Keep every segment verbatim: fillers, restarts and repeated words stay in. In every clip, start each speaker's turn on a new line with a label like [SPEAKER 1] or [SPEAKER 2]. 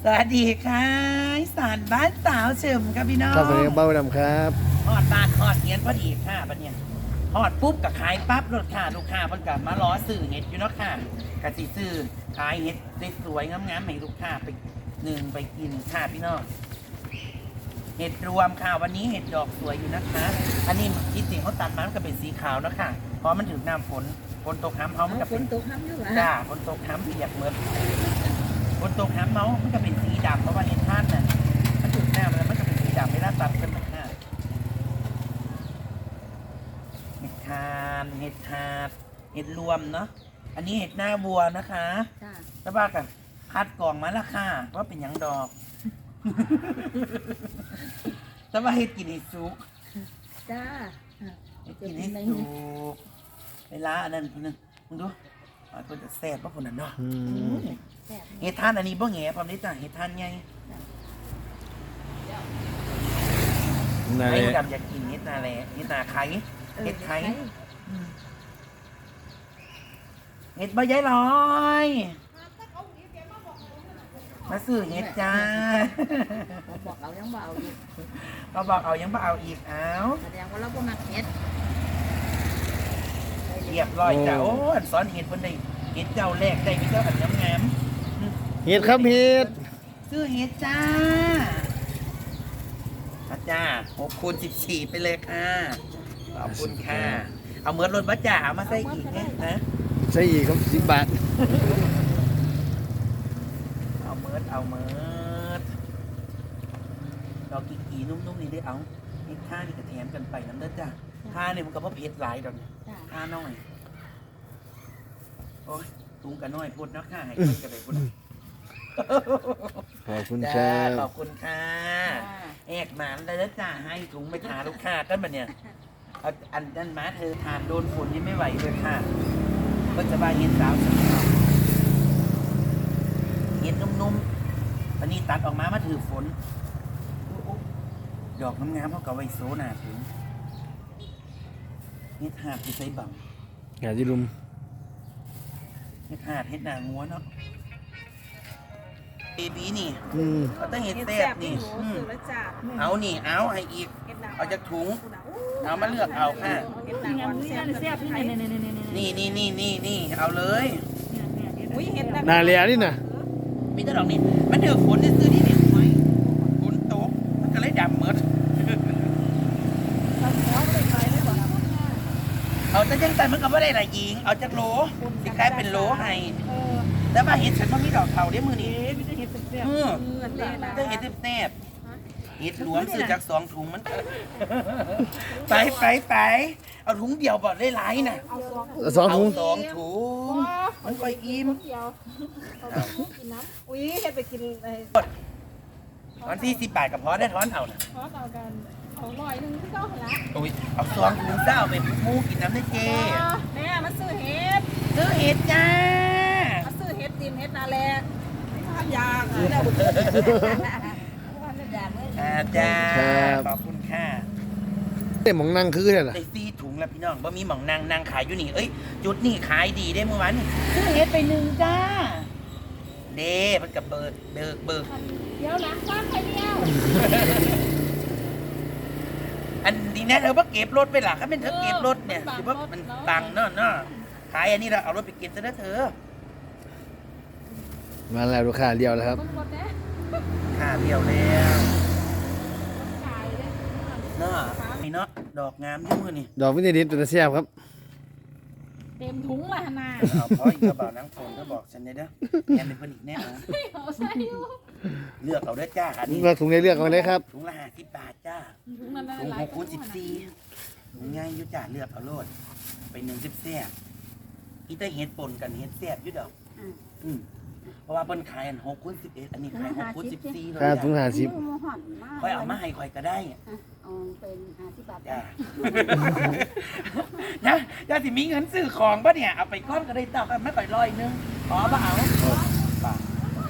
[SPEAKER 1] สวัสดีค่ะอีสานบ้านสาวเฉิมครับพี่น้อง
[SPEAKER 2] ครับสวัสดีครับเบ้าดำครับ
[SPEAKER 1] หอดบาทหอดเงียนพอดีค่ะบัดเนี่ยหอดปุ๊บกับขายปั๊บรถค่ะลูกค้าเพิ่นกับมาล้อซื้อเห็ดอยู่เนาะค่ะกะสิซื้อขายเห็ดสวยๆงามๆให้ลูกค้าไปหนึ่งไปกินค่ะพี่น้องเห็ดรวมค่ะวันนี้เห็ดดอกสวยอยู่นะคะ อันนี้ที่จริงเขาตัดมามันก็เป็นสีขาวเนาะค่ะเพราะมันถึงน้ำฝนฝนตกน้ำเขามันก็
[SPEAKER 3] ฝ
[SPEAKER 1] เป็น
[SPEAKER 3] นตกน้ำอยู่หรอ
[SPEAKER 1] จ้าฝนตกน้ำเปียกเหมือนฝนตกน้ำเมามันก็เป็นสีดำเพราะว่าเห็ดท่านน่ะมันถึงน้ำแล้วมันก็เป็นสีดำไม่น่าตัดกันนะค่ะเห็ดทานเห็ดทาดเห็ดรวมเนาะอันนี้เห็ดหน้าวัวนะคะ
[SPEAKER 3] จ้า
[SPEAKER 1] แล้วบ้ากันคัดกล่องมาและค่ะว่าเป็นหยังดอก แต่ว่าเห็ดกินเห็ดซุก
[SPEAKER 3] จ้า
[SPEAKER 1] เห็ดกินเห็ดซุกเวลาอันนั้นคนนึงมึงดูอ่าคนจะแซ่บป่ะคนนั้นเนาะ
[SPEAKER 2] อืม
[SPEAKER 3] แซ่บ
[SPEAKER 1] เห็ดท่านอันนี้บ่แง่พร้อมได้จ้ะเห็ดท่านไง
[SPEAKER 2] นั่น
[SPEAKER 1] ไอ้
[SPEAKER 2] แหละ
[SPEAKER 1] ดำอยากกินเห็ดนาแลเห็ดนาไข่เห็ดไข่เห็ดใบย้ายลอยมาซื้อเห็ดจ้า
[SPEAKER 3] ผมบอกเรายังเบเอาอยู่
[SPEAKER 1] เราบอกเอายังบ่เอาอีกเอา
[SPEAKER 3] แสดงว่าเราบ่มักเฮ็ด
[SPEAKER 1] เรียบร้อยจ้าโอ้อันสอนเห็ดบนได้เห็ดเจ้าแรกได้มีเจ้าอันงาม
[SPEAKER 2] เห็ดครับเห็ด
[SPEAKER 1] ๆซื้อเห็ดจ้าอาจ้าหกคูณสิบสี่ไปเลยค่ะขอบคุณค่ะเอาเมือรถบัสจ่าเอามาใส่อีกเนี่ยนะ
[SPEAKER 2] ใช่อีกครับสิบบาท
[SPEAKER 1] เอาเมิร์ดเอาเมิร์ดดอกกีกีนุ่มๆนี่ได้เอาไอ้ท่านี่กระแถมกันไปน้ำเด้อจ้ะท่าเนี่ยมันก็เพราะเผ็ดหลายดอกเนี่ย
[SPEAKER 3] จ้า
[SPEAKER 1] ท่าน้อยโอ้ยตุงกันน้อยพูดเนาะค่ะให้เพิ่นกันไปพูดเนาะ
[SPEAKER 2] ขอบคุณค
[SPEAKER 1] จ้า
[SPEAKER 2] รับ
[SPEAKER 1] ขอบคุณค่ะแอกหมานเลยแล้วจ้าให้ถุงไปทาลูกค้าตั้งแต่เนี่ยเอาอันนั้นมาเธอทานโดนฝุ่นนี่ไม่ไหวเลยค่ะก็จะบายเห็นสาวสาวเห็นนุ่มๆอันนี้ตัดออกมามาถือฝนดอกงามๆเขาก็ไว้โซหนาถึงเฮ็ดหาดที่ใส่บัง
[SPEAKER 2] งานที่รุม
[SPEAKER 1] เฮ็ดหาดเฮ็ดหนางัวเนาะเบบีนี่
[SPEAKER 2] อืม
[SPEAKER 1] เขาต้องเฮ็ดแซ่บนี่อืมเอานี่เอาให้อีก เอาจากถุง เอามาเลือกเอาค่ะ นี่นี่นี่นี่นี่เอาเลย
[SPEAKER 2] นาเลียนี่นะ
[SPEAKER 1] มีแต่ดอกนี่มันถือฝนที่ซื้อที่นี่ไหมฝนตกมันก็เลยดำเมดเอาแต่ยังแต่มันก็ไม่ได้ละยิงเอาจากโหลสิคล้ายเป็นโหลให้แต่ว่าเห็ดฉันว่ามีดอกเทาได้มือนี้เออได้เห็ดแซ่บเห็ดหลวงซื้อจากสองถุงมันไปไปไปเอาถุงเดียวบ่ได้หลายน่ะ
[SPEAKER 2] สองถุง
[SPEAKER 1] เาสองถุงมันก็อิ่ม
[SPEAKER 4] อุ้ยเฮ็ดไปกินไอ้
[SPEAKER 1] วันที่สิบบาทกับพอได้ท้อนเอาน่ะ
[SPEAKER 4] ทอดเอากันเอาหน่อยหนึงที่เก้าหันละ
[SPEAKER 1] โอ้ยเอาสองถุงเจ้าไปหมูกินน้ำได้เจ
[SPEAKER 4] แม่มาซื้อเฮ็ด
[SPEAKER 1] ซื้อเห็ดจ้า
[SPEAKER 4] มาซื้อเฮ็ดดินเฮ็ดนาแลทานยาค่ะแล้ว
[SPEAKER 1] อาจ้าขอบคุณค่ะ
[SPEAKER 2] เต็มของนั่งคือเนี่ยเหรอ
[SPEAKER 1] ได้ซีถุงแล้วพี่น้องบ่มีหม่องนางนางขายอยู่นี่เอ้ยจุดนี่ขายดีได้เมื่อวานนี่ซื้อเห็ดไปหนึ่งจ้าเด้มันกับเบิกเบิกเบิก
[SPEAKER 4] เดี๋ยวหลังบ้านใครเดียว
[SPEAKER 1] อันนี้นะเธอว่าเก็บรถไปหลักถ้าเป็นเธอเก็บรถเนี่ยถือว่ามันตังค์เนาะเนาะขายอันนี้เราเอารถไปเก็บซะนะเธอ
[SPEAKER 2] มาแล้วลูกค้าเดียวแล้วครับ
[SPEAKER 4] มันหมดแล้ว
[SPEAKER 1] ค่าเดียวแล้ว
[SPEAKER 4] ขายเลย
[SPEAKER 1] เนาะนี่เนาะดอกงามอยุ่มือนี่
[SPEAKER 2] ดอกวินิดิตเป็นตะเสียบครับ
[SPEAKER 4] เต็มถุงละหนา
[SPEAKER 1] เอาพออีกกระเป๋านังฝนก็บอกฉันได้เด้อแอนเป็นคนอีกแน่นะ
[SPEAKER 4] เอาใส่อยู่
[SPEAKER 1] เลือกเอาได้อจ้าอันนี้
[SPEAKER 2] เราถุงในเลือกเอาเลยครับ
[SPEAKER 1] ถุงละห้าสิบบาทจ้า
[SPEAKER 4] ถุงนั้น
[SPEAKER 1] ถุง
[SPEAKER 4] หลา
[SPEAKER 1] ห
[SPEAKER 4] ย
[SPEAKER 1] กคูณสิบสี่ง่ายอยุ่จ่าเลือกเอาโลดไปหนึ่งสิบแซ่บอีแต่เห็ดป่นกันเห็ดแซ่บอยุ่ดอกอืมเพราะว่าเปิ้นขายอันหกคูณสิบเอ็ดอันนี้ขายหกคูณสิบสี่เลย
[SPEAKER 2] ค่าถุง
[SPEAKER 1] จ้ะ
[SPEAKER 2] ห้าสิบ
[SPEAKER 1] ค่อยเอามาให้ค่อยก็ได้
[SPEAKER 3] เอาเป็นห้าสิบบาท
[SPEAKER 1] จ้า นะจ้าสิมีเงินซื้อของปะเนี่ยเอาไปก้อนก็ได้ต่อกันไม่ค่อยร้อยนึงขอปะเอาป่ะ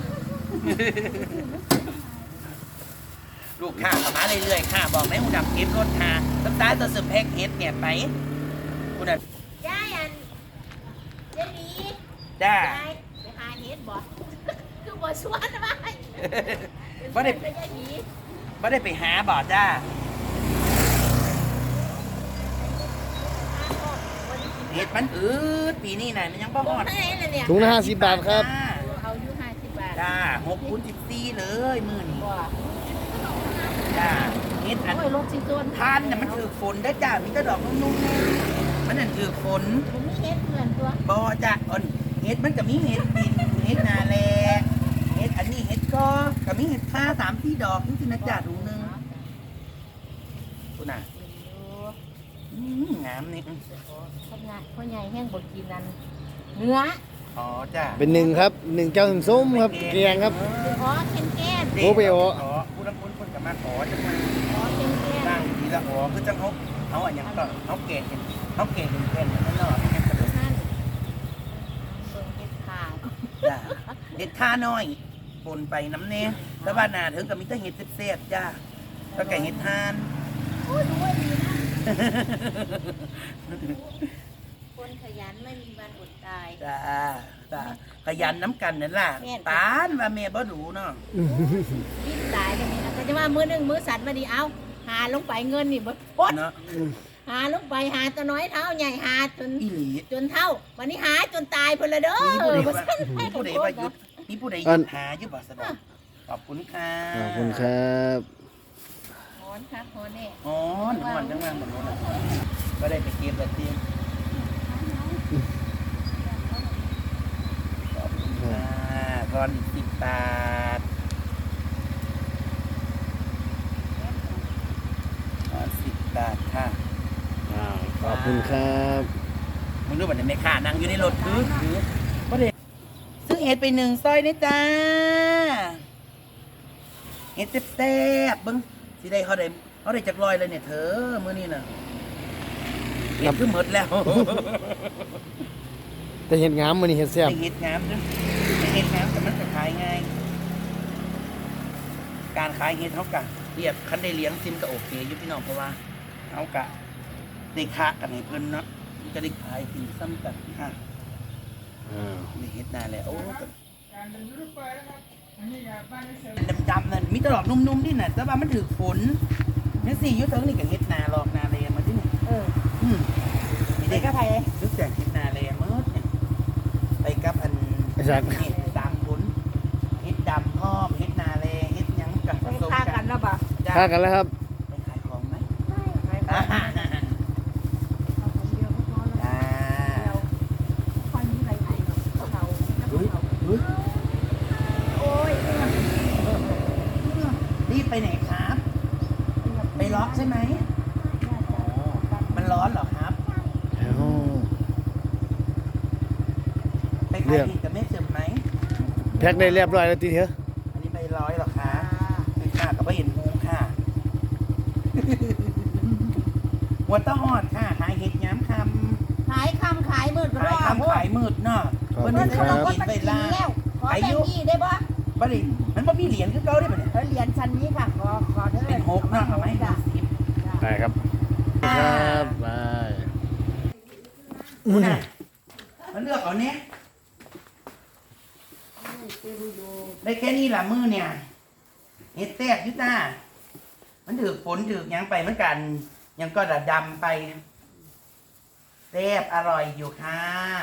[SPEAKER 1] ลูกค้าเข้ามาเรื่อยๆค่ะบอกให้หูดับเก็บรถค่ะตั้งแต่ตัวสืบแพ็กเฮ็ดเนี่ยไปคุณอ่ะ
[SPEAKER 3] ยายอันเจนี
[SPEAKER 1] จ้า
[SPEAKER 3] ยายไปหาเฮ็ดบ่คือบ่ชวนมา
[SPEAKER 1] เอบ่ได้
[SPEAKER 3] เป็นยาหยี
[SPEAKER 1] บ่ได้ไปหาบ่จ้าเห็ดมันอืดปีนี้น่ะมันยังบ่ฮอด
[SPEAKER 3] ให้เลยเนี่ย
[SPEAKER 2] ถุงละห้าสิบบาทครับ
[SPEAKER 3] เอาอยู่ห้าสิบบาท
[SPEAKER 1] จ้าหกคูณสิบสี่เลยมื้อนี้
[SPEAKER 3] ว่า
[SPEAKER 1] จ้าเห็ดอัน
[SPEAKER 3] โอ้ยรถสิต้น
[SPEAKER 1] ทานน่ะมันถือฝนได้อจ้ามีแต่ดอกนุ่มๆแน่มันนั่นถือฝน
[SPEAKER 3] ผมมีเฮ็ดเพื่อนตัว
[SPEAKER 1] บ่จ้าอ่อนเห็ดมันก็มีเห็ดดินเห็ดนาแลเห็ดอันนี้เห็ดก็ก็มีเห็ดค่าสามสี่ดอกนี่สินะจ้าถุงหนึงคุณน่ะอืมงามนี่อืม
[SPEAKER 3] พ่อใหญ่พ่อใหญ่แห้งบดกินนั่นเนื้อ
[SPEAKER 1] อ๋อจ้า
[SPEAKER 2] เป็นหนึ่งครับหนึ่งเจ้าหนึ่งส้มครับแกงครับ
[SPEAKER 3] อ๋อเค็มแก้ม
[SPEAKER 2] โอ้ไปอ๋อ
[SPEAKER 1] อ๋อผู้นำคุณคนกับมาขอจังมา
[SPEAKER 3] อ๋อเค็มแก้
[SPEAKER 1] ตั้
[SPEAKER 3] ม
[SPEAKER 1] งทีละอ๋อคือจังเขาเขาอันหยังก็เขาเกตเป็นเขาเกตเป็นเพื่อนนั่นเนาะให้กระโดด
[SPEAKER 3] ท่านเบิ่งเฮ็ดขาด
[SPEAKER 1] จ้าเห็ดค่าน้อยปนไปน้ำเน่แล้วบ้านนาถึงกับมีแต่เห็ดเสียบๆจ้าแล้วแกงเห็ดทาน
[SPEAKER 3] โอ้ยดูว่าดีนะคนขยันไม่มีวันอดตาย
[SPEAKER 1] จ้าจ้าขยันน้ำกันนั่นล่ะ
[SPEAKER 3] แม่น
[SPEAKER 1] ตานว่าเมียบ่ดูเนาะ
[SPEAKER 3] รีบตายกันนี่นะแต่จะว่ามือหนึ่งมือสัตว์มาดีเอาหาลงไปเงินนี่บ่ปด
[SPEAKER 1] เนาะ
[SPEAKER 3] หาลงไปหาตัวน้อยเท้าใหญ่หาจน
[SPEAKER 1] อีหลี
[SPEAKER 3] จนเท่า วันนี้หาจนตายเพิ่นละเด้อ
[SPEAKER 1] มีผู้ใด
[SPEAKER 3] บ่
[SPEAKER 1] ว่า
[SPEAKER 3] ซั่น
[SPEAKER 1] มีผู้ใดว่าหยุดมีผู้ใดห
[SPEAKER 2] อั
[SPEAKER 1] ยุ
[SPEAKER 2] น
[SPEAKER 1] ดหาอยู่บ่สะดอกขอบคุณค่ะ
[SPEAKER 2] ขอบคุณครับ
[SPEAKER 3] หอนครับหอนแน่
[SPEAKER 1] อ๋อหนอนจังว่าบ่รู้น่ะก็ได้ไปเก็บแล้วติขอบคุณค่ะก่อนอีกสิบบาทก่อนสิบบาทค่ะ
[SPEAKER 2] อ้าวขอบคุณครับ
[SPEAKER 1] มึงรู้ป่ะเนี่ยแม่ค้านั่งอยู่ในรถคือคือก็เลยซื้อเห็ดไปหนึ่งซอยนี่จ้าเห็ดแซ่บๆเบิ้งสิได้เขาได้เขาได้จากรอยเลยเนี่ยเธอมื้อนี้น่ะเห็ดคือหมดแล้ว
[SPEAKER 2] แต่เห็นงามมันนี่เห็ดแซ่บ
[SPEAKER 1] ได้เห็ดงามด้วยได้เห็ดงามแต่มันจะขายง่ายการขายเห็ดเขากะเรียบคันได้เลี้ยงซิมก็โอเคอยู่พี่น้องเพราะว่าเขากะได้ค้ากันให้เพิ่นเนาะมันจะได้ขายปีซ้ำกันค่ะ
[SPEAKER 2] อ้าว
[SPEAKER 1] นี่เฮ็ดนานแล้วโอ้ดำๆนั่นมีแตลอดนุ่มๆนี่น่ะแต่ว่ามันถือฝนนี่สิอยุทธเถิงนี่ก็เฮ็ดนาหลอกนาเลมาที่นี่
[SPEAKER 3] เออ
[SPEAKER 1] อืมนี่
[SPEAKER 3] ไป
[SPEAKER 1] เด็ก
[SPEAKER 3] กับไผเลย
[SPEAKER 1] รู้จักเฮ็ดนาเลเมื่อเนี่ยไปกับอัน
[SPEAKER 2] ไอ้สัก
[SPEAKER 1] เฮ็ดสามผลเฮ็ดดำพร้อมเฮ็ดนาเลเฮ็ดหยังกันผ
[SPEAKER 3] ไป
[SPEAKER 1] สม
[SPEAKER 3] ฆ่า
[SPEAKER 1] กั
[SPEAKER 3] กัน นแล้วป่ะ
[SPEAKER 1] จ้ะ
[SPEAKER 2] ค่ากันแล้วครับ
[SPEAKER 1] ไปขายของไหม
[SPEAKER 3] ไป
[SPEAKER 1] อ่า
[SPEAKER 3] เอาคนเดียวก็พอแล้ว
[SPEAKER 1] จ้า
[SPEAKER 3] เดียวคนนี้ไปไหนเขาเขา
[SPEAKER 1] เฮ้ยเฮ้ย
[SPEAKER 3] โอ้ย
[SPEAKER 1] รีบไปไหนครับ ไปล็อกใช่ไหมอ๋อมันร้อนเหรอครับ
[SPEAKER 2] อ้าว
[SPEAKER 1] ไปขายอีกกับแม่เจิมไหม
[SPEAKER 2] แพ็คได้เรียบร้อยแล้วทีเถอะ
[SPEAKER 1] อันนี้ใบร้อยเหรอคะคือค่ะก็ไม่เห็นงูค่ะ วัวต้อหอดค่ะขายเห็ดย้ำค
[SPEAKER 3] ขายคำขายมืด
[SPEAKER 1] ำขายคำขายมืดเนาะ
[SPEAKER 2] ขอบ
[SPEAKER 1] เพิ่น
[SPEAKER 2] คุ
[SPEAKER 1] จะ
[SPEAKER 2] ณ
[SPEAKER 1] ได้
[SPEAKER 2] ครับ
[SPEAKER 1] กินไปลา
[SPEAKER 3] แล้วขอแบ่งยี่ได้ปะ
[SPEAKER 1] บัดนี้มันบ่มีเหรียญคือเก่าได้ปะเนี่ย
[SPEAKER 3] เออเหรียญชั้นนี้ค่ะขอขอเด้อ
[SPEAKER 1] เป็นหกเนาะเอาไหม
[SPEAKER 3] จ้ะ
[SPEAKER 1] สิบ
[SPEAKER 2] ได้ครับครับบาย
[SPEAKER 1] น่ะมันเลือกเอาเนี้ยได้แค่นี้ละมือเนี่ยเห็ดแซ่บอยุต้ามันถือฝนถือหยังไปเหมือนกันหยังก็ดดำไปแซ่บอร่อยอยู่ค่ะ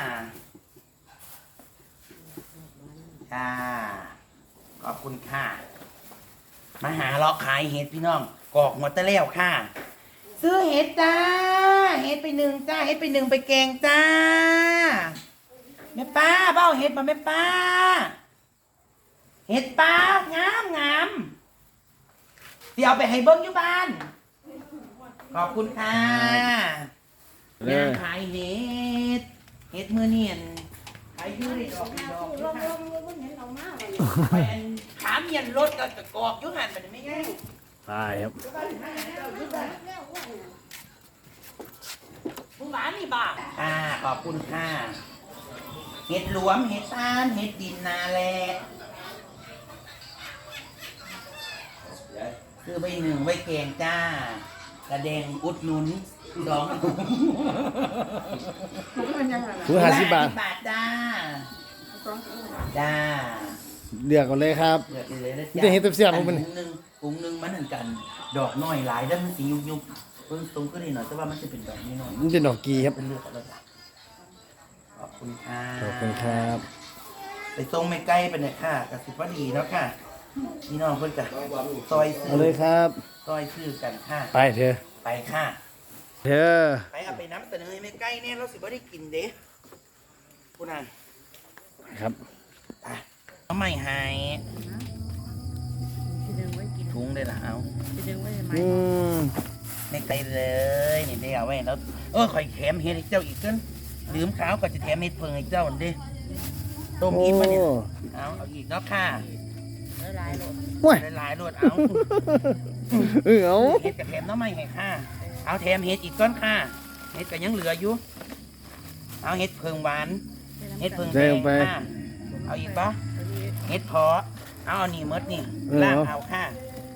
[SPEAKER 1] ค่ะขอบคุณค่ะ มาหาเลาะขายเห็ดพี่น้องกอกหัวตะแล้วค่ะ ซื้อเห็ดจ้า เห็ดไปหนึ่งจ้า เห็ดไปหนึ่งไปแกงจ้า แม่ป้าเบ้าเห็ดมาแม่ป้า เห็ดป้างามงามเดี๋ยวเอาไปให้เบิ้งอยู่บ้าน ขอบคุณค่ะ
[SPEAKER 2] เล
[SPEAKER 1] ยาง
[SPEAKER 2] ย
[SPEAKER 1] ขายเห็ด เห็ดมือเนียนขายอยืดดอกดอกอยู่ค่ะไปอันขาเมียนรถก็กอกอยุ่หันมันไม่ง่าย
[SPEAKER 2] ตายครับ
[SPEAKER 1] ผู้หวานนี่บ้าอ่าขอบคุณค่ะ เห็ดหลวม เห็ดตาล เห็ดดินนาแลซื้อใบหนึ่งไว้แกงจ้ากระเดงอุดหนุนสอง
[SPEAKER 2] ถุงห้าสิบบาท
[SPEAKER 1] บาทจ้า จ้า
[SPEAKER 2] เลือกก่อนเลยครับ
[SPEAKER 1] เลือกเลยนะ
[SPEAKER 2] มันจะเห็นเสียบๆของมัน
[SPEAKER 1] ถุงหนึงถุงหนึงมันเหมือนกัน ดอกน้อยหลายแล้วมันสียุบยุบเพิ่งตรงขึ้นนิดหน่อยแต่ว่ามันจะเป็นแบบนี้หน่อย
[SPEAKER 2] มันเป็นดอกกีครับ
[SPEAKER 1] เป็นเลือกอะไรจ้ะขอบคุณค่ะ
[SPEAKER 2] ขอบคุณครับ
[SPEAKER 1] ไปตรงไม่ใกล้ไปเนี่ยค่ะกสิบว่าดีแล้วค่ะพี่น้องเพิ่นจะซอยซื้
[SPEAKER 2] เอาเลยครับ
[SPEAKER 1] ซอยซื้อกันค่ะ
[SPEAKER 2] ไปเถอะ
[SPEAKER 1] ไปค่ะ
[SPEAKER 2] เถอะ
[SPEAKER 1] ไปเอาไปน้ำเสนอให้ไม่ใกล้เนี่ยเราสิบ่ได้กินเด้คุณน่ะ
[SPEAKER 2] ครับ
[SPEAKER 1] ไปเอาไม่หาย
[SPEAKER 3] สิดึงไว้กิน
[SPEAKER 1] ถุงเลยล่ะเอา
[SPEAKER 3] สิดึงไว้ทำไม
[SPEAKER 2] อืม
[SPEAKER 1] ไม่ไกลเลยนี่ได้เอาไว้แล้วเออข่อยแถมเฮ็ดให้เจ้าอีกเกินลืมขาวก็จะแถมเฮ็ดเพิ่งให้เจ้าอันเด้ต้ม
[SPEAKER 2] โอ้
[SPEAKER 1] อิ่มมาเนี่ยเอาเอาอีกเนาะค่ะ
[SPEAKER 3] หลายๆโลด
[SPEAKER 2] โอ้ย
[SPEAKER 1] หลายๆรวดเอา
[SPEAKER 2] เออเอา
[SPEAKER 1] เฮ็ดกับแถมหน้ำไม่ให้ค่ะเอาแถมเฮ็ดอีกก้อนค่ะเฮ็ดก็ยังเหลืออยู่เอาเฮ็ดเพิงหวานเฮ็ดเพิงแดงค่ะเอาอีกปะเฮ็ดเพาะเอาเอานี่หมดนี่ลากเอาค่ะ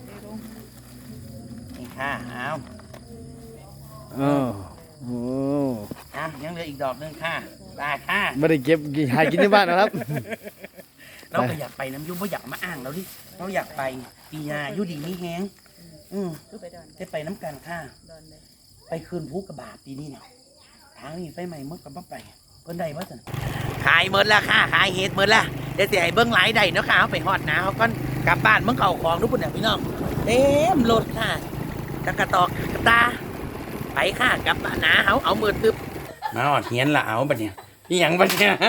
[SPEAKER 1] นี่ค่ะเอา
[SPEAKER 2] อ้าวโอ้
[SPEAKER 1] อ่ะยังเหลืออีกดอกหนึงค่ะลาค่ะ
[SPEAKER 2] ไม่ได้เก็บหากินที่บ้านนะครับ
[SPEAKER 1] เราก็อยากไปน้ำยุ่งเพราะอยากมาอ้างเราดิเราอยากไปปีหนาอยู่ดีมีแฮงอืม
[SPEAKER 3] คือไปดอน
[SPEAKER 1] จะไปน้ำกันค่ะ
[SPEAKER 3] ดอนเลย
[SPEAKER 1] ไปคืนภูกระบาดปีนี้เนี่ยทางนี้ไปใหม่เมื่อกับไปเพิ่นได้บ่ซั่นขายเมิดแล้วค่ะขายเฮ็ดเมิดแล้วเดี๋ยวสิให้เบิ่งหลายได้เนาะค่ะเอาไปฮอดหนาเขาก่อนกลับบ้านเบิ่งเข้าของทุกคนน่ะพี่น้องเต็มรถค่ะตะกะตอกกระตาไปค่ะกลับบ้านหนาเฮาเอามือตึบมาฮอดเฮียนละเอาบัดเนี่ยนี่หยังบัดเนี่ย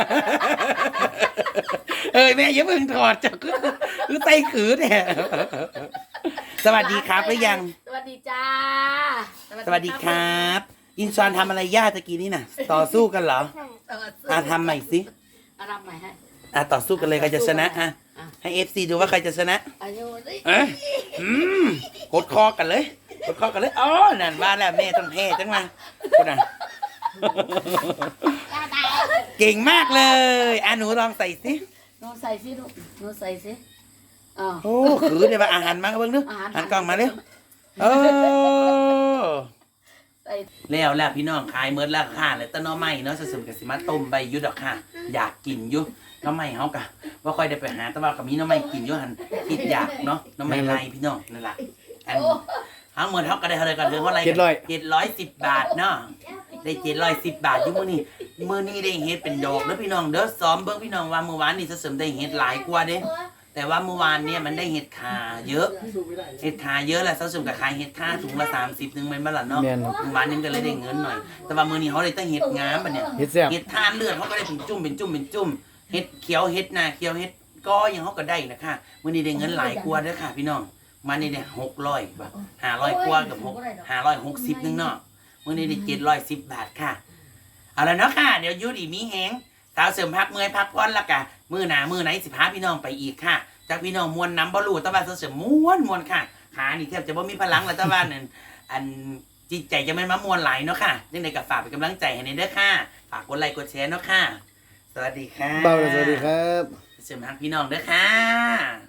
[SPEAKER 1] เอ้ยแม่อย่าเพิ่งถอดจ้ะคือคือไตขือเนี่ยสวัสดีครับหรือยัง
[SPEAKER 3] สวัสดีจ้า
[SPEAKER 1] สวัสดีครับ อินซอนทำอะไรย่าตะกี้นี่น่ะ ต่อสู้กันเหรอ
[SPEAKER 3] สวัสดี
[SPEAKER 1] อ่ะทำใหม่สิ
[SPEAKER 3] อารามใหม่ให้
[SPEAKER 1] อ่ะต่อสู้กันเลยใครจะชนะอ่ะให้เอฟซีดูว่าใครจะชนะ
[SPEAKER 3] อายุดิ
[SPEAKER 1] เอ้ยอืมกดคอกันเลยกดคอกันเลยอ๋อนั่นว่าแล้วแม่ต้องแพ้จังมาคุณอ่ะ เก่งมากเลยอ่ะหนูลองใส่สิ
[SPEAKER 3] หนูใส่สิลูกหนูใส่สิอ๋อ
[SPEAKER 1] โอ้คือเดี๋ยวมาอาหารมาเบิ่งดู
[SPEAKER 3] อาหาร
[SPEAKER 1] หันกล้องมาเร็วเออ
[SPEAKER 3] ใส่
[SPEAKER 1] แล้วแล้วพี่น้องขายเมิดแล้วค่ะแล้วต้นน้อไม้เนาะสมกับสิมาต้มใบอยุดดอกค่ะ อยากกินอยุน้อไม้เฮากะว่าค่อยได้ไปหาแต่ว่ากับมีน้อไม้กินอยุหันคิดอยากเนาะน้อไม้ไรพี่น้องนั่นแหละอันทั้งหมดเฮาก็ได้เท่าไหร่กันเรื่องเท่าไหร่
[SPEAKER 2] เจ็ดร้อย
[SPEAKER 1] เจ็ดร้อยสิบบาทเนาะได้เจ็ดร้อยสิบบาทอยู่มื้อนี้มื้อนี้ได้เฮ็ดเป็นดอกเด้อพี่น้องเด้อซ้อมเบิ่งพี่น้องว่าเมื่อวานนี่สมได้เฮ็ดหลายกว่าเด้ แต่ว่าเมื่อวานเนี่ยมันได้เห็ดขาเยอะ เห็ดขาเยอะแหละเสาสมกับขายเห็ดขาถุงละสามสิบนึงเป็นบ้านเนาะ
[SPEAKER 2] แม่น
[SPEAKER 1] เมื่อวานนี้ก็เลยได้เงินหน่อย แต่ว่ามือนี้เขาเลยต้องเห็ดงามปะเนี่ย
[SPEAKER 2] เฮ็ดแซ่บ
[SPEAKER 1] เห็ดทานเลือดเขาก็ได้เป็นจุ่มเป็นจุ่มเป็นจุ่มเห็ดเขียวเห็ดนาเขียวเห็ดก้อยังเขาก็ได้นะคะมือนี้ได้เงินหลายกว่าเด้อค่ะพี่น้องมานี่ได้หกร้อยบาทห้าร้อยกว่ากับหกห้าร้อยหกสิบนึงเนาะมือนี้ได้เจ็ดร้อยสิบบาทค่ะเอาละเนาะค่ะเดี๋ยวยูดีมีแหงสาวเสริมพักเมื่อยพักผ่อนและกะมือหนามือไหนสิพาพี่น้องไปอีกค่ะ จากพี่น้องมวลน้ำบอลูตะวันเสริมม้วนมวนค่ะขานี่แทบจะบ่มีพลังแล้วตะวันนั่นอันจิตใจจะไม่มามวนไหลเนาะค่ะยังไงก็ฝากเป็นกำลังใจให้ในเด้อค่ะฝากกดไลค์กดแชร์เนาะค่ะสวัสดีค่ะ
[SPEAKER 2] เบาเลยสวัสดีครับ
[SPEAKER 1] เสริมฮักพี่น้องเด้อค่ะ